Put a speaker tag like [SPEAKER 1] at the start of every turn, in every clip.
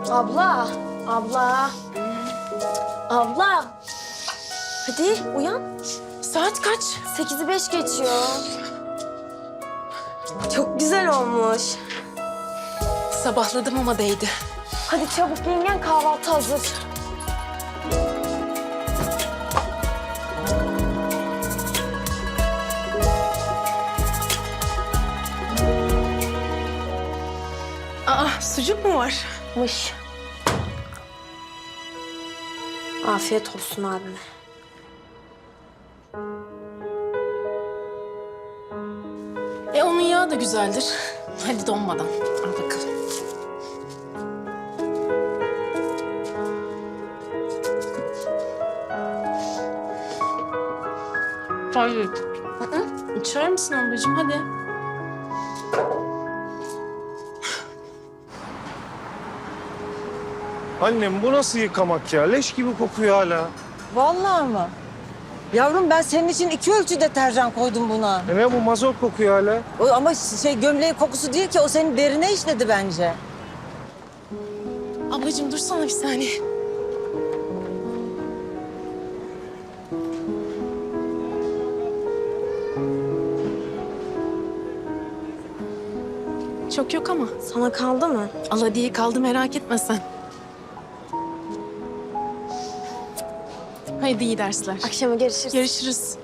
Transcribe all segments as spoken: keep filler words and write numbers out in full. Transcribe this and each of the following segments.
[SPEAKER 1] Abla, abla. Abla. Hadi uyan.
[SPEAKER 2] Saat kaç?
[SPEAKER 1] Sekizi beş geçiyor. Çok güzel olmuş.
[SPEAKER 2] Sabahladım ama değdi.
[SPEAKER 1] Hadi çabuk yengen, kahvaltı hazır.
[SPEAKER 2] Aa, sucuk mu var?
[SPEAKER 1] Mış. Afiyet olsun abime.
[SPEAKER 2] E onun yağı da güzeldir. Hadi donmadan. Al bakalım. Hayır. Hı hı. İçer misin ablacığım? Hadi.
[SPEAKER 3] Annem bu nasıl yıkamak ya? Leş gibi kokuyor hala.
[SPEAKER 4] Vallahi mı? Yavrum ben senin için iki ölçü deterjan koydum buna.
[SPEAKER 3] E ne bu mazot kokuyor hala?
[SPEAKER 4] O, ama şey gömleğin kokusu değil ki, o senin derine işledi bence.
[SPEAKER 2] Ablacığım dursana bir saniye. Çok yok ama.
[SPEAKER 1] Sana kaldı mı?
[SPEAKER 2] Al hadi kaldı, merak etme sen. Haydi iyi dersler.
[SPEAKER 1] Akşama görüşürüz.
[SPEAKER 2] Görüşürüz.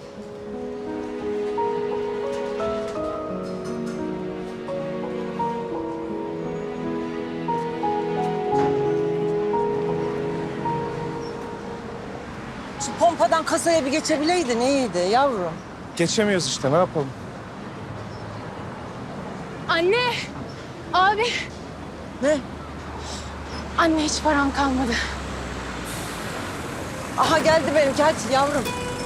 [SPEAKER 4] Şu pompadan kasaya bir geçebileydin iyiydi yavrum.
[SPEAKER 3] Geçemiyoruz işte, ne yapalım?
[SPEAKER 2] Anne! Abi!
[SPEAKER 4] Ne?
[SPEAKER 2] Anne hiç param kalmadı.
[SPEAKER 4] Aha geldi benimki, hadi yavrum.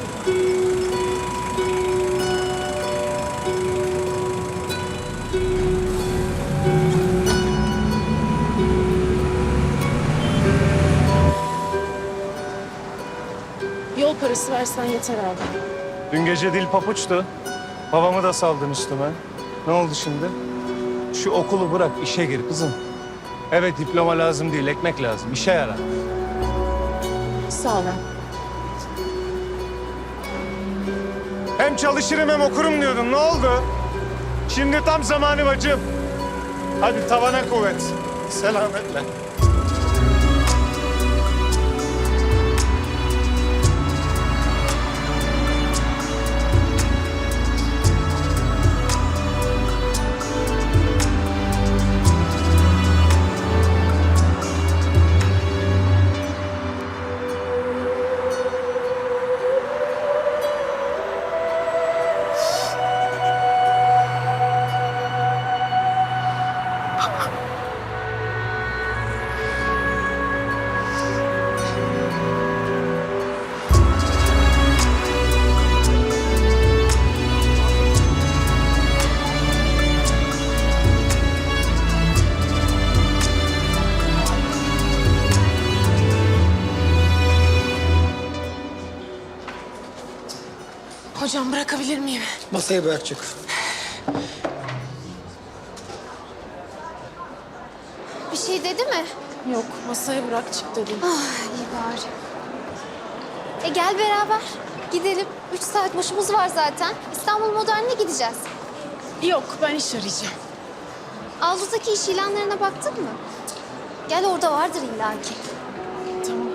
[SPEAKER 2] Yol parası versen yeter abi.
[SPEAKER 3] Dün gece dil papuçtu. Babamı da saldın üstüme. Ne oldu şimdi? Şu okulu bırak, işe gir kızım. Evet, diploma lazım değil, ekmek lazım. İşe yarar.
[SPEAKER 2] Sağ ol.
[SPEAKER 3] Hem çalışırım hem okurum diyordun. Ne oldu? Şimdi tam zamanı bacım. Hadi tavana kuvvet. Selametle.
[SPEAKER 2] Hocam bırakabilir miyim?
[SPEAKER 5] Masaya bırak çık.
[SPEAKER 6] Bir şey dedi mi?
[SPEAKER 2] Yok, masaya bırak çık dedim.
[SPEAKER 6] Ah iyi bari. E gel beraber gidelim. Üç saat boşumuz var zaten. İstanbul Modern'e gideceğiz.
[SPEAKER 2] Yok, ben iş arayacağım.
[SPEAKER 6] Avludaki iş ilanlarına baktın mı? Gel orada vardır illaki.
[SPEAKER 2] Tamam.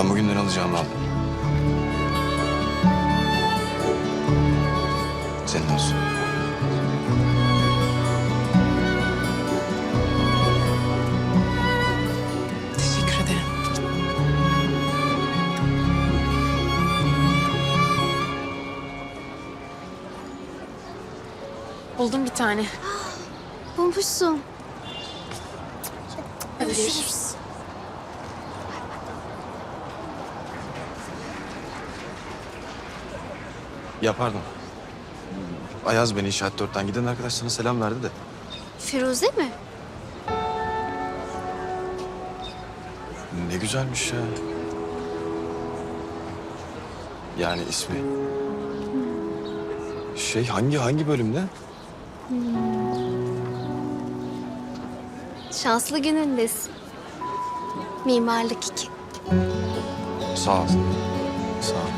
[SPEAKER 5] Ben bugünden alacağımı aldım. Senin olsun.
[SPEAKER 2] Teşekkür ederim. Buldum bir tane.
[SPEAKER 6] Bulmuşsun.
[SPEAKER 2] Hadi görüşürüz.
[SPEAKER 5] Ya pardon. Ayaz beni inşaat dörtten giden arkadaş sana selam verdi de.
[SPEAKER 6] Firuze mi?
[SPEAKER 5] Ne güzelmiş ya. Yani ismi. Şey hangi hangi bölümde?
[SPEAKER 6] Şanslı günündesin. Mimarlık iki.
[SPEAKER 5] Sağ ol. Sağ ol.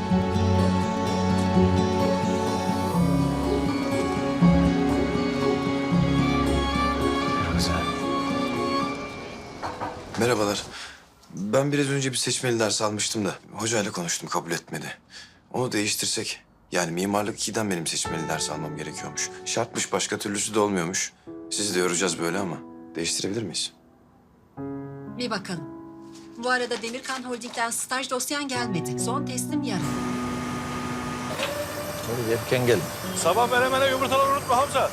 [SPEAKER 5] Güzel. Merhabalar. Ben biraz önce bir seçmeli ders almıştım da hocayla konuştum, kabul etmedi. Onu değiştirsek, yani mimarlık ikiden benim seçmeli ders almam gerekiyormuş. Şartmış, başka türlüsü de olmuyormuş. Sizi de yoracağız böyle ama değiştirebilir miyiz?
[SPEAKER 7] Bir bakalım. Bu arada Demirkan Holding'den staj dosyan gelmedi. Son teslim yarın.
[SPEAKER 8] Hadi erken gel.
[SPEAKER 3] Sabah menemene yumurtaları unutma Hamza.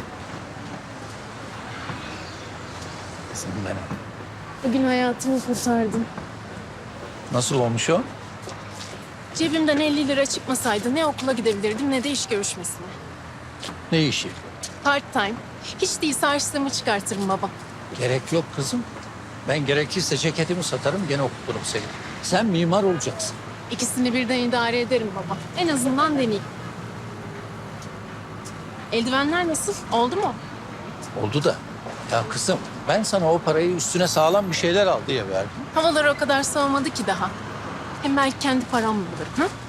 [SPEAKER 8] Kızım benim.
[SPEAKER 2] Bugün hayatımı kurtardın.
[SPEAKER 8] Nasıl olmuş o?
[SPEAKER 2] Cebimden elli lira çıkmasaydı ne okula gidebilirdim ne de iş görüşmesine.
[SPEAKER 8] Ne işi?
[SPEAKER 2] Part time. Hiç değilse harçlığımı çıkartırım baba.
[SPEAKER 8] Gerek yok kızım. Ben gerekirse ceketimi satarım gene okuturum seni. Sen mimar olacaksın.
[SPEAKER 2] İkisini birden idare ederim baba. En azından deneyeyim. Eldivenler nasıl? Oldu mu?
[SPEAKER 8] Oldu da. Ya kızım ben sana o parayı üstüne sağlam bir şeyler al diye verdim.
[SPEAKER 2] Havalar o kadar soğumadı ki daha. Hem belki kendi paramla bulurum. Ha?